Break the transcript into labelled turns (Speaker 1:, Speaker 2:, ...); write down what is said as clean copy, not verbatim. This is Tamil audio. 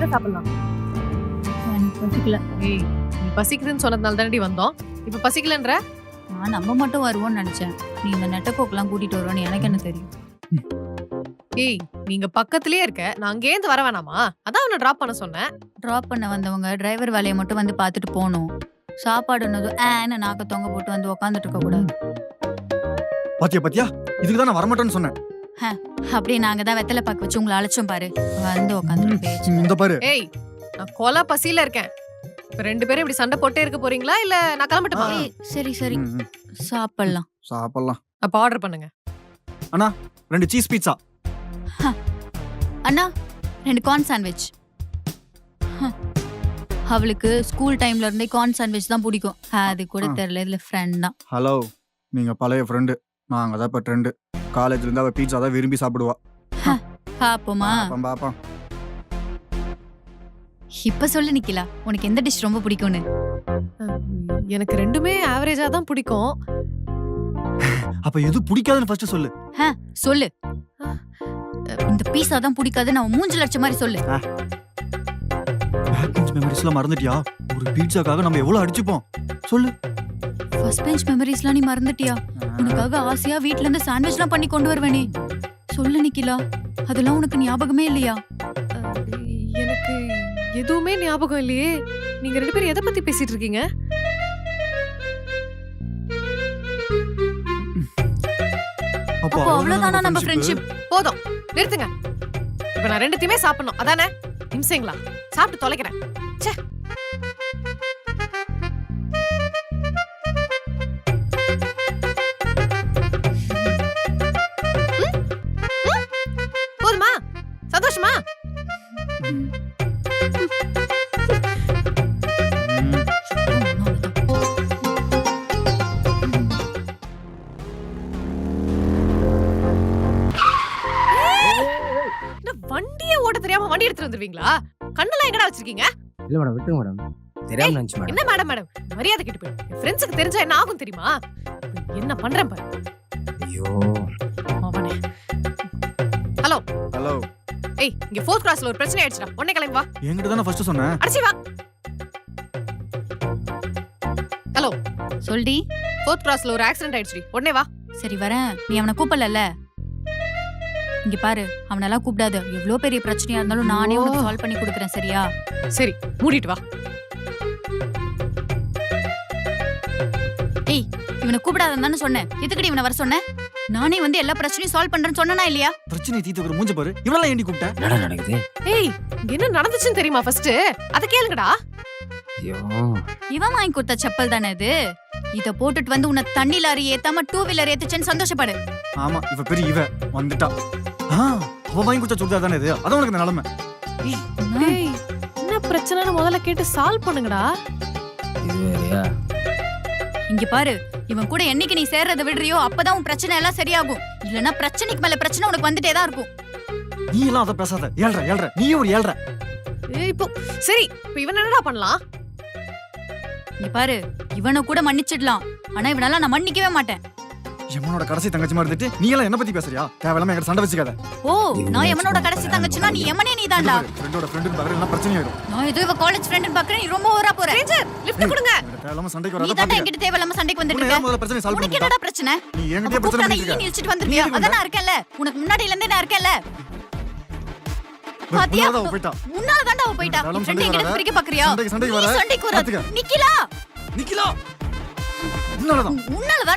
Speaker 1: என்ன சாப்பிடலாம்?
Speaker 2: எனக்கு பசிக்கல.
Speaker 1: ஏய், நீ பசிக்குதுன்னு சொன்னதுனால தானடி வந்தோம். இப்ப பசிக்கலன்ற?
Speaker 2: நான் நம்ம மட்டும் வருவோம்னு நினைச்சேன். நீ இந்த நெட்டக்கோக்கெல்லாம் கூட்டிட்டு வருவோன்னு எனக்கு என்ன தெரியும்?
Speaker 1: ஏய், நீங்க பக்கத்துலயே இருக்க. நான் அங்கேருந்து வர வேணாமா? அதான் அவனை டிராப் பண்ண சொன்னேன்.
Speaker 2: டிராப் பண்ண வந்தவங்க டிரைவர் வேலையை மட்டும் வந்து பார்த்துட்டு போகணும். சாப்பாடுனதும் ஏன்னு நாக்க தொங்க போட்டு வந்து உக்காந்துட்டு இருக்க கூடாது.
Speaker 3: பாத்தியா இதுக்கு தான் நான் வரமாட்டேன்னு சொன்னேன்.
Speaker 2: அப்படியே நாங்க தான் வெத்தலை பாக்கு வச்சு உங்களை அழைச்சோம் பாரு. வந்து உக்காந்துட்டு பேச்சு.
Speaker 3: இந்த பாரு,
Speaker 1: ஏய், நான் கொலை பசியில இருக்கேன். இப்ப 2 பேரும் இப்படி சண்டை போட்டே இருக்க போறீங்களா இல்ல நான் கிளம்பட்டுமா?
Speaker 2: ஏய், சரி சரி
Speaker 3: ம், ம்.
Speaker 2: சாப்பிடலாம்.
Speaker 3: சாப்பிடலாம்.
Speaker 1: அப்ப ஆர்டர் பண்ணுங்க.
Speaker 3: 2 சீஸ் பீட்சா.
Speaker 2: அண்ணா 2 கார்ன் சாண்ட்விச். அவளுக்கு ஸ்கூல் டைம்ல இருந்தே கார்ன் சாண்ட்விச் தான் பிடிக்கும். அது கூட தெரியல, இதுல ஃப்ரெண்ட் தான்.
Speaker 3: ஹலோ, நீங்க பழைய ஃப்ரெண்டு. நாங்க தான் இப்ப ட்ரெண்டு. காலேஜ்ல இருந்து அவ பீட்சா தான் விரும்பி சாப்பிடுவா.
Speaker 2: பாப்போமா?
Speaker 3: பாப்போம்.
Speaker 2: இப்ப சொல்லு நிக்கிலா, உனக்கு எந்த டிஷ் ரொம்ப பிடிக்கும்னு?
Speaker 1: எனக்கு ரெண்டுமே ஆவரேஜா தான் பிடிக்கும்.
Speaker 3: அப்ப எது பிடிக்காதுன்னு ஃபர்ஸ்ட் சொல்லு.
Speaker 2: சொல்லு. இந்த பீஸா தான் பிடிக்காது, நான் மூஞ்சில அடிச்ச மாதிரி சொல்லு.
Speaker 3: பேக் பெஞ்ச் மெமரிஸ்லாம் மறந்துட்டியா? ஒரு பீட்சாக்காக நம்ம எவ்வளவு அடிச்சுப்போம் சொல்லு.
Speaker 2: ஃபர்ஸ்ட் பெஞ்ச் மெமரிஸ்லாம் நீ மறந்துட்டியா? உனக்காக ஆசையா வீட்ல இருந்து சாண்ட்விச்லாம் பண்ணி கொண்டு வருவேனே. சொல்லு நிக்கிலா, அதெல்லாம் உனக்கு ஞாபகமே இல்லையா?
Speaker 1: எனக்கு எதுவுமே ஞாபகம் இல்லையே. நீங்க 2 பேரும் எதை பத்தி பேசிட்டு இருக்கீங்க?
Speaker 2: அப்போ அவ்வளவுதானா நம்ம ஃப்ரெண்ட்ஷிப்?
Speaker 1: போதும், நிறுத்துங்க. இப்ப நான் 2த்தையுமே சாப்பிடணும் அதானே? நிமிஷங்களா, சாப்பிட்டு தொலைக்கிறேன். ச்சே. போதுமா? சந்தோஷமா? வண்டியே ஓட்ட தெரியாம வண்டி எடுத்துட்டு வந்துருவீங்களா? கண்ணெல்லாம் எங்கடா வச்சிருக்கீங்க?
Speaker 4: இல்ல மேடம், விட்டுருங்க மேடம். தெரியாம நினைச்சு மேடம்.
Speaker 1: என்ன மேடம் மரியாதை கெட்டு போயிடும். என் ஃப்ரெண்ட்ஸுக்கு தெரிஞ்சா என்ன ஆகும் தெரியுமா? என்ன பண்றேன் பாரு.
Speaker 4: ஐயோ,
Speaker 1: அவனே. ஹலோ.
Speaker 3: ஹலோ.
Speaker 1: ஏய், இங்க 4th கிளாஸ்ல ஒரு பிரச்சனை ஆயிடுச்சுடா. உடனே கிளம்பி வா.
Speaker 3: என்கிட்ட தானே ஃபர்ஸ்ட் சொன்னேன்.
Speaker 1: அடிச்சி வா. ஹலோ.
Speaker 2: சொல்டி.
Speaker 1: 4th கிளாஸ்ல ஒரு ஆக்சிடென்ட் ஆயிடுச்சுடி. உடனே வா.
Speaker 2: சரி வரேன். நீ அவனை கூப்பிடல. இங்க பாரு, அவனெல்லாம் கூப்பிடாத. எவ்வளவு பெரிய பிரச்சனையா இருந்தாலும் நானே உனக்கு சால்வ் பண்ணி கொடுக்குறேன், சரியா?
Speaker 1: சரி, மூடிட்டு வா.
Speaker 2: ஏய், இவனை கூப்பிடாதன்னு சொன்னேன். எதுக்குடி இவனை வர சொன்னேன்? நானே வந்து எல்லா பிரச்சனையும் சால்வ் பண்றேன்னு சொன்னனா இல்லையா?
Speaker 3: பிரச்சனை தீத்துக்கிற மூஞ்ச பாரு. இவளெல்லாம் ஏண்டி கூப்பிட்ட?
Speaker 4: என்னடா நடக்குது?
Speaker 1: ஏய், இங்க என்ன நடந்துச்சுன்னு தெரியுமா ஃபர்ஸ்ட்? அத கேளுங்கடா.
Speaker 4: ஐயோ,
Speaker 2: இவன் வாங்கி கொடுத்த செப்பல் தானே இது. இத போட்டுட்டு வந்து உன்னை தண்ணி லாரி ஏத்தாம 2 வீலர் ஏத்துச்சேன்னு சந்தோஷப்படு.
Speaker 3: ஆமா, இவ பெரிய இவ வந்துட்டா. அவ வாங்கி கொடுத்த சுடிதார் தானே இது. அதான் உனக்கு இந்த நிலைமை.
Speaker 1: ஏய், என்ன பிரச்சனைன்னு முதல்ல கேட்டு சால்வ் பண்ணுங்கடா.
Speaker 4: இது வேறயா?
Speaker 2: இங்க பாரு, இவன் கூட என்னைக்கு நீ சேர்றத விடுறியோ அப்பதான் உன் பிரச்சனை எல்லாம் சரியாகும். இல்லனா பிரச்சனைக்கு மேல பிரச்சனை உனக்கு வந்துட்டே தான் இருக்கும்.
Speaker 3: நீ எல்லாம் அத பேசாத. ஏழ்ற நீ ஒரு ஏழ்ற.
Speaker 1: ஏய், இப்போ சரி, இப்போ இவன் என்னடா பண்ணலாம்?
Speaker 2: இங்க பாரு, இவனை கூட மன்னிச்சிடலாம். ஆனா இவனால நான் மன்னிக்கவே மாட்டேன்.
Speaker 3: எமனோட கடைசி தங்கச்சி மாதிரி இருந்துட்டு நீ எல்லாம் என்ன பத்தி பேசுறியா? தேவையில்லாம என்கிட்ட சண்டை வச்சுக்காத.
Speaker 2: ஓ, நான் எவனோட கடைசி தங்கச்சினா நீ எமனே நீதான்டா.
Speaker 3: ஃப்ரெண்டோட ஃப்ரெண்டுன்னு பாக்குற எல்லாம் பிரச்சனை ஆயிடும்.
Speaker 2: நான் ஏதோ இவ காலேஜ் ஃப்ரெண்ட்னு பாக்குறேன். நீ ரொம்ப ஓவரா போற.
Speaker 1: ரேஞ்சர், லிஃப்ட் கொடுங்க.
Speaker 3: தேவையில்லாம சண்டைக்கு
Speaker 2: நீ
Speaker 3: வராத
Speaker 2: தான்
Speaker 3: பாத்துக்க.
Speaker 2: என்கிட்ட தேவையில்லாம சண்டைக்கு வந்துட்டு
Speaker 3: உன்னை
Speaker 2: இருக்க.
Speaker 3: ஏன் முதல்ல பிரச்சனை சால்வ்
Speaker 2: உனக்கு
Speaker 3: பண்ணு.
Speaker 2: என்னடா பிரச்சனை?
Speaker 3: நீ என்கிட்டயே பிரச்சனை
Speaker 2: கூப்பிட்டா
Speaker 3: பண்ணிட்டு
Speaker 2: ஈ
Speaker 3: இருக்க.
Speaker 2: நில்ச்சிட்டு வந்துருவியா?
Speaker 3: நீ
Speaker 2: அதான் நான் இருக்கேன்ல. உனக்கு முன்னாடில இருந்தே நான் இருக்கேன்ல. பாத்தியா?
Speaker 3: உன்னோட அவ போயிட்டா.
Speaker 2: உன்னால தான்டா அவ போயிட்டா.
Speaker 3: தேவையில்லாம
Speaker 2: ஃப்ரெண்ட்
Speaker 3: சண்டைக்கு
Speaker 2: என்கிட்ட
Speaker 3: வராத.
Speaker 2: பிரிக்க பாக்குறியா?
Speaker 3: சண்டைக்கு
Speaker 2: நீ
Speaker 3: வர.
Speaker 2: சண்டைக்கு வராத.
Speaker 3: பாத்துக்க.
Speaker 2: நிக்கிலா,
Speaker 3: நிக்கிலா. உன்னாலதான்.
Speaker 2: உன்னால